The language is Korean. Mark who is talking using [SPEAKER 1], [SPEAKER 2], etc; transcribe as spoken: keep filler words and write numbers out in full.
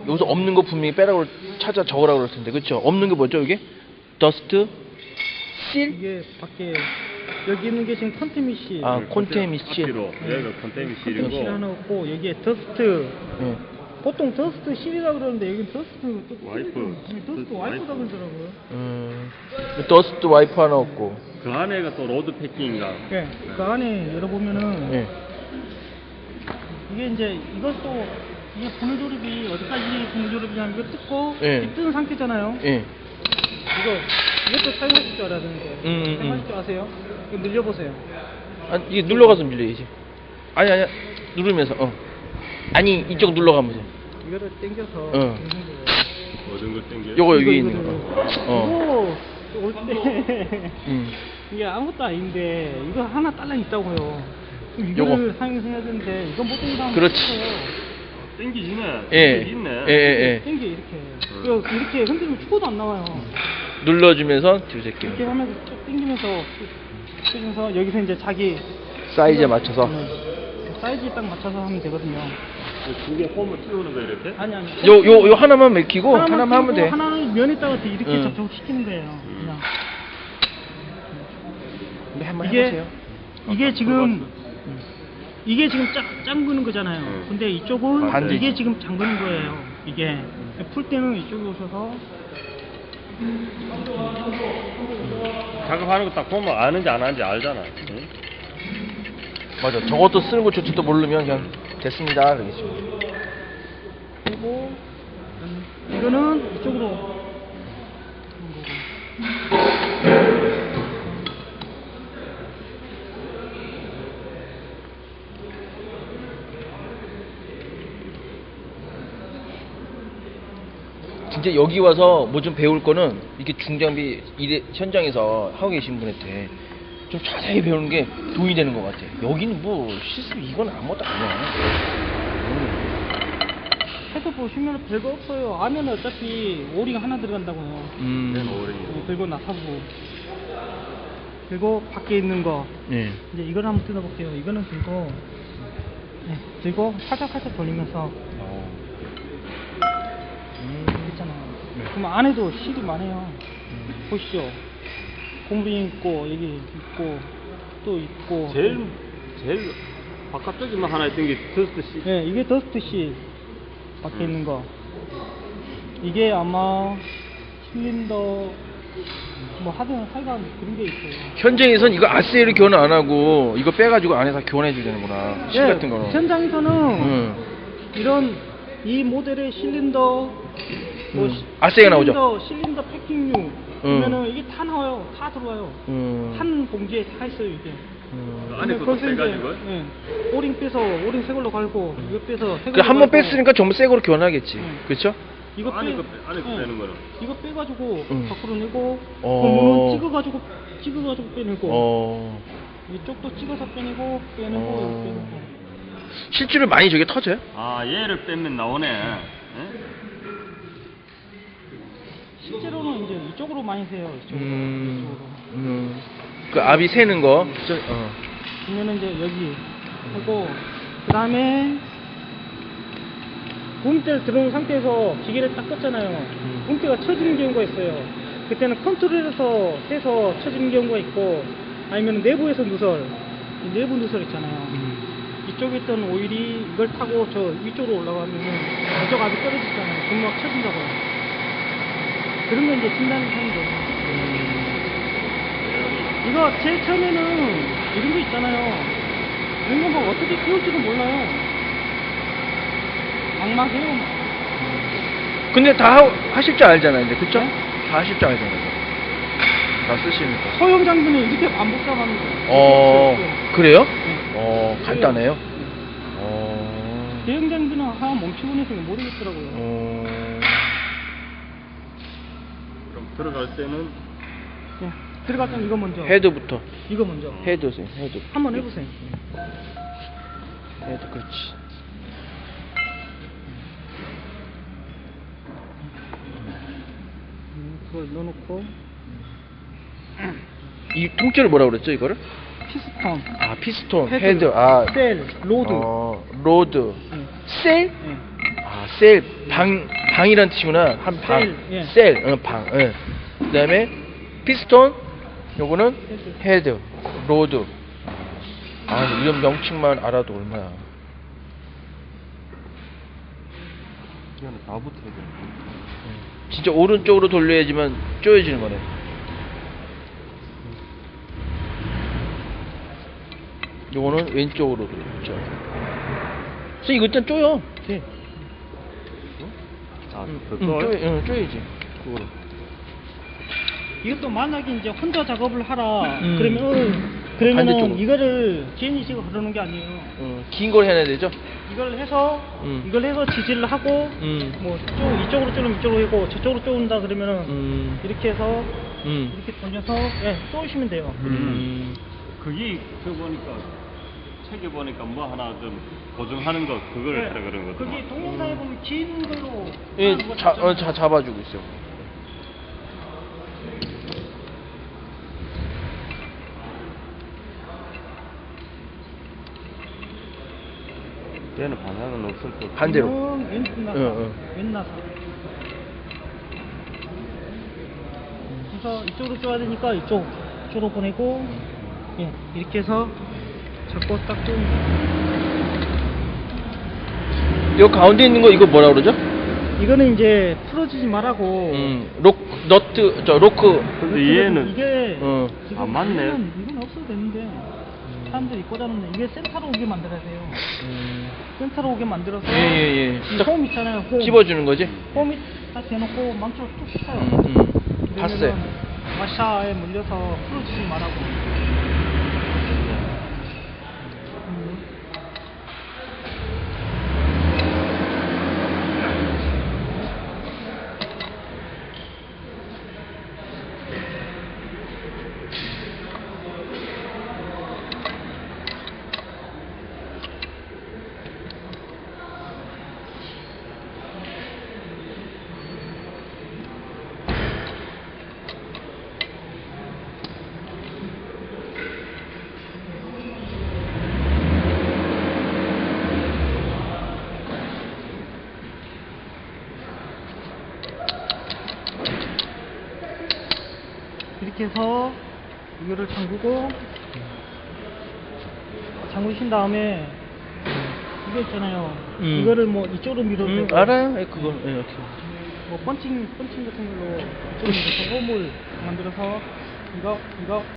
[SPEAKER 1] 여기서 없는 거 분명히 빼라고 찾아 적으라고 그럴 텐데, 그렇죠? 없는 게 뭐죠, 이게? 더스트, 실?
[SPEAKER 2] 이게 밖에 여기 있는 게 지금 컨테미 실.
[SPEAKER 1] 아, 콘테미 실.
[SPEAKER 3] 앞뒤로 여기가 콘테미 실이고.
[SPEAKER 2] 컨테미 실 하나 없고 여기에 더스트.
[SPEAKER 1] 예.
[SPEAKER 2] 보통 더스트 실이라 그러는데 여기 더스트
[SPEAKER 3] 와이프.
[SPEAKER 2] 더스트 와이프다 그러더라고요.
[SPEAKER 1] 음, 더스트 와이프 하나 없고.
[SPEAKER 3] 그 안에가 또 로드 패킹인가.
[SPEAKER 2] 예. 그 안에 열어보면은
[SPEAKER 1] 예.
[SPEAKER 2] 이게 이제 이것도 이게 분해 조립이 어디까지 분해 조립이냐면 이거 뜯고
[SPEAKER 1] 예.
[SPEAKER 2] 이 뜯은 상태잖아요.
[SPEAKER 1] 예.
[SPEAKER 2] 이거 이것도 사용하실 줄 알아야 되는데
[SPEAKER 1] 음, 음,
[SPEAKER 2] 사용하실 줄 아세요? 이거 늘려보세요.
[SPEAKER 1] 아, 이게 눌러가서 밀려야지. 아니, 아니, 누르면서, 어. 아니, 이쪽 눌러가면서.
[SPEAKER 2] 이거를 당겨서
[SPEAKER 1] 어.
[SPEAKER 3] 모든 걸 땡겨.
[SPEAKER 1] 요거
[SPEAKER 2] 이거,
[SPEAKER 1] 여기
[SPEAKER 2] 이거,
[SPEAKER 1] 있는 거.
[SPEAKER 2] 이거.
[SPEAKER 1] 어.
[SPEAKER 2] 이거 올 때
[SPEAKER 1] 음.
[SPEAKER 2] 이게 아무것도 아닌데 이거 하나 딸랑 있다고요. 그럼
[SPEAKER 1] 요거.
[SPEAKER 2] 이거를 사용해야 되는데 이거 못 당기면
[SPEAKER 1] 그렇지.
[SPEAKER 3] 땡기지네.
[SPEAKER 1] 예.
[SPEAKER 3] 땡기지 있네.
[SPEAKER 1] 예, 예,
[SPEAKER 2] 당겨 이렇게. 이거 이렇게 흔들면 축구도 안 나와요.
[SPEAKER 1] 예. 눌러주면서 뒤새끼.
[SPEAKER 2] 이렇게 하면서 쭉 당기면서 당기면서 여기서 이제 자기
[SPEAKER 1] 사이즈에 맞춰서.
[SPEAKER 2] 음, 사이즈에 딱 맞춰서 하면 되거든요.
[SPEAKER 3] 두개 홈을 띄우는 거 이렇게?
[SPEAKER 2] 아니 아니.
[SPEAKER 1] 요, 요, 요 하나만 맥히고, 하나만, 하면
[SPEAKER 2] 끼고
[SPEAKER 1] 돼.
[SPEAKER 2] 하나는 면에다가 이렇게
[SPEAKER 1] 응.
[SPEAKER 2] 접촉시키는 거예요. 그냥.
[SPEAKER 1] 근데 한번
[SPEAKER 2] 이게
[SPEAKER 1] 해보세요.
[SPEAKER 2] 이게 지금
[SPEAKER 3] 들어갔어.
[SPEAKER 2] 이게 지금 짱, 짱그는 거잖아요.
[SPEAKER 3] 응.
[SPEAKER 2] 근데 이쪽은
[SPEAKER 1] 반대지.
[SPEAKER 2] 이게 지금 잠그는 거예요. 이게 풀 때는 이쪽에 오셔서
[SPEAKER 3] 작업하는 거 딱 보면 아는지 안 아는지 알잖아. 응?
[SPEAKER 1] 맞아. 저것도 쓰는 거 저것도 모르면 그냥 됐습니다. 그러겠지.
[SPEAKER 2] 그리고 이거는 이쪽으로
[SPEAKER 1] 진짜 여기 와서 뭐 좀 배울 거는 이렇게 중장비 일에 현장에서 하고 계신 분한테 좀 자세히 배우는 게 도움이 되는 것 같아. 여기는 뭐 실습 이건 아무것도 아니야.
[SPEAKER 2] 해서 보시면 별거 없어요. 안에는 어차피 오링 하나 들어간다고요.
[SPEAKER 1] 음.
[SPEAKER 3] 맨 오른이.
[SPEAKER 2] 그리고 나사부 그리고 밖에 있는 거
[SPEAKER 1] 예.
[SPEAKER 2] 이제 이걸 한번 뜯어볼게요. 이거는 들고 네, 들고 살짝 살짝 돌리면서
[SPEAKER 1] 어. 음.
[SPEAKER 2] 있잖아요.
[SPEAKER 1] 네.
[SPEAKER 2] 그럼 안에도 실이 많아요.
[SPEAKER 1] 음.
[SPEAKER 2] 보시죠. 고무링 있고 여기 있고 또 있고.
[SPEAKER 3] 제일 제일 바깥쪽에만 하나 있던 게 더스트 씨.
[SPEAKER 2] 네, 이게 더스트 실 밖에
[SPEAKER 3] 음.
[SPEAKER 2] 있는 거. 이게 아마 실린더 뭐 하든 하여간 그런 게 있어요.
[SPEAKER 1] 현장에선 이거 아세이를 교환 안 하고 이거 빼가지고 안에서 교환해 주려는구나. 실
[SPEAKER 2] 예,
[SPEAKER 1] 같은 거는.
[SPEAKER 2] 현장에서는
[SPEAKER 1] 응.
[SPEAKER 2] 이런 이 모델의 실린더 뭐
[SPEAKER 1] 음.
[SPEAKER 2] 시-
[SPEAKER 1] 아세이가 나오죠?
[SPEAKER 2] 실린더, 실린더 패킹류 그러면은 이게 다 나와요. 다 들어와요.
[SPEAKER 1] 음.
[SPEAKER 2] 한 봉지에 다 있어요 이게.
[SPEAKER 1] 음.
[SPEAKER 3] 안에
[SPEAKER 2] 근데
[SPEAKER 3] 것도
[SPEAKER 2] 거기서 이제,
[SPEAKER 3] 빼가지고요?
[SPEAKER 2] 예, 오링 빼서 오링 새 걸로 갈고 이거 빼서 새
[SPEAKER 1] 그
[SPEAKER 2] 걸로
[SPEAKER 1] 한 번
[SPEAKER 2] 갈고,
[SPEAKER 1] 뺐으니까 전부 새 거로 교환하겠지.
[SPEAKER 2] 응.
[SPEAKER 1] 그렇죠?
[SPEAKER 2] 이거
[SPEAKER 3] 안에
[SPEAKER 2] 빼,
[SPEAKER 3] 거 빼- 안에 거
[SPEAKER 2] 예,
[SPEAKER 3] 빼는 거는?
[SPEAKER 2] 이거 빼가지고
[SPEAKER 1] 응.
[SPEAKER 2] 밖으로 내고
[SPEAKER 1] 어.
[SPEAKER 2] 그러면 찍어가지고 찍어가지고 빼내고
[SPEAKER 1] 어.
[SPEAKER 2] 이쪽도 찍어서 빼내고 빼내고
[SPEAKER 1] 어.
[SPEAKER 2] 이렇게 빼내고.
[SPEAKER 1] 실제로 많이 저게 터져요?
[SPEAKER 3] 아 얘를 빼면 나오네. 예?
[SPEAKER 2] 실제로는 이제 이쪽으로 많이 세요. 이쪽으로.
[SPEAKER 1] 음.
[SPEAKER 2] 이쪽으로.
[SPEAKER 1] 음. 그 압이 새는 거. 저, 어.
[SPEAKER 2] 보면은 이제 여기 하고 그 다음에 붐대를 들어온 상태에서 기계를 딱 껐잖아요. 붐대가 쳐지는 경우가 있어요. 그때는 컨트롤에서 해서 쳐지는 경우가 있고 아니면 내부에서 누설, 이 내부 누설 있잖아요.
[SPEAKER 1] 음.
[SPEAKER 2] 이쪽에 있던 오일이 이걸 타고 저 위쪽으로 올라가면은 이쪽 압이 떨어지잖아요. 금방 쳐진다고요. 그러면 이제 진단을 하는 거예요. 이거 제일 처음에는 이런 거 있잖아요. 이런 거 뭐 어떻게 키울지도 몰라요. 막막해요. 막.
[SPEAKER 1] 근데 다 하, 하실 줄 알잖아요, 이제. 그쵸?
[SPEAKER 2] 네?
[SPEAKER 1] 다 하실 줄 알잖아요. 다 쓰시니까.
[SPEAKER 2] 소형 장비는 이렇게 안 복잡하는 거예요.
[SPEAKER 1] 어,
[SPEAKER 2] 이렇게
[SPEAKER 1] 그래요?
[SPEAKER 2] 네.
[SPEAKER 1] 어, 간단해요?
[SPEAKER 2] 네.
[SPEAKER 1] 어.
[SPEAKER 2] 대형 장비는 하나 멈추고 있으면 모르겠더라고요.
[SPEAKER 1] 어.
[SPEAKER 3] 그럼 들어갈 때는
[SPEAKER 2] 네. 들어갈 땐 이거 먼저.
[SPEAKER 1] 헤드부터.
[SPEAKER 2] 이거 먼저.
[SPEAKER 1] 헤드세요, 헤드.
[SPEAKER 2] 한번 해보세요.
[SPEAKER 1] 헤드, 그렇지.
[SPEAKER 2] 음, 그걸 넣어놓고
[SPEAKER 1] 이 통째로 뭐라 그랬죠, 이거를?
[SPEAKER 2] 피스톤,
[SPEAKER 1] 아, 피스톤,
[SPEAKER 2] 헤드,
[SPEAKER 1] 헤드, 아.
[SPEAKER 2] 셀, 로드.
[SPEAKER 1] 어, 로드.
[SPEAKER 2] 네.
[SPEAKER 1] 셀?
[SPEAKER 2] 네.
[SPEAKER 1] 아, 셀, 방, 방이란 뜻이구나. 한 방.
[SPEAKER 2] 셀, 예.
[SPEAKER 1] 셀, 어, 방. 예. 그다음에 피스톤, 요거는 헤드, 로드. 아, 이런 명칭만 알아도 얼마야.
[SPEAKER 3] 이거는 다 붙어야 돼.
[SPEAKER 1] 진짜 오른쪽으로 돌려야지만 쪼여지는 거네. 요거는 왼쪽으로 돌리죠. 그래서 이거 일단 쪼여. 네.
[SPEAKER 3] 아,
[SPEAKER 1] 응,
[SPEAKER 3] 그
[SPEAKER 1] 응,
[SPEAKER 3] 또
[SPEAKER 1] 쪼여, 응, 쪼여야지. 그거로.
[SPEAKER 2] 이것도 만약에 이제 혼자 작업을 하라
[SPEAKER 1] 음.
[SPEAKER 2] 그러면 어, 그러면은
[SPEAKER 1] 반대쪽으로.
[SPEAKER 2] 이거를 제니식으로 흐르는 게 아니에요.
[SPEAKER 1] 응, 긴 걸 해야 되죠?
[SPEAKER 2] 이걸 해서
[SPEAKER 1] 음.
[SPEAKER 2] 이걸 해서 지지를 하고
[SPEAKER 1] 음.
[SPEAKER 2] 뭐 쭉 이쪽으로 쪼르면 이쪽으로 하고 저쪽으로 쪼는다 그러면은
[SPEAKER 1] 음.
[SPEAKER 2] 이렇게 해서
[SPEAKER 1] 음.
[SPEAKER 2] 이렇게 돌려서 예, 쪼으시면 돼요.
[SPEAKER 1] 음.
[SPEAKER 3] 그게 저 보니까 책에 보니까 뭐 하나 좀 고정하는 거 그걸
[SPEAKER 2] 예,
[SPEAKER 3] 하라 그런 거.
[SPEAKER 2] 그게 동영상에 보면 긴 걸로
[SPEAKER 1] 예,
[SPEAKER 2] 하는 거
[SPEAKER 1] 자,
[SPEAKER 2] 있잖아요.
[SPEAKER 1] 어, 자, 잡아주고 있어.
[SPEAKER 3] 얘는 방향은 없을 거.
[SPEAKER 1] 반대로.
[SPEAKER 2] 이건 왼 나사,
[SPEAKER 1] 응, 응.
[SPEAKER 2] 왼 나사. 그래서 이쪽으로 쪼야 되니까 이쪽, 이쪽으로 보내고, 예, 이렇게 해서 잡고 딱 쪼는.
[SPEAKER 1] 요 가운데 있는 거 이거 뭐라 그러죠?
[SPEAKER 2] 이거는 이제 풀어지지 말라고.
[SPEAKER 1] 음, 록, 너트, 저, 로크.
[SPEAKER 3] 근데 얘는
[SPEAKER 2] 이게
[SPEAKER 1] 어.
[SPEAKER 2] 지금
[SPEAKER 3] 아, 맞네.
[SPEAKER 2] 이건, 이건 없어도 되는데 사람들이 꽂아놓는 이게 센터로 오게 만들어야 돼요.
[SPEAKER 1] 음.
[SPEAKER 2] 센터로 오게 만들어서
[SPEAKER 1] 예, 예, 예.
[SPEAKER 2] 이
[SPEAKER 1] 딱
[SPEAKER 2] 홈 있잖아요. 홈.
[SPEAKER 1] 찝어주는 거지?
[SPEAKER 2] 홈이 딱 대놓고 망치로 툭 쳐요.
[SPEAKER 1] 음, 음. 봤어요.
[SPEAKER 2] 그러면은 와샤에 물려서 풀어지지 말라고. 음. 이렇게 해서 이거를 잠그고 잠그신 다음에 이거 있잖아요.
[SPEAKER 1] 음.
[SPEAKER 2] 이거를 뭐 이쪽으로 밀어도
[SPEAKER 1] 음,
[SPEAKER 2] 되고
[SPEAKER 1] 알아요. 예, 그거. 예, 이렇게.
[SPEAKER 2] 뭐 펀칭 펀칭 같은 걸로 이쪽으로 밀어서 홈을 만들어서 이거 이거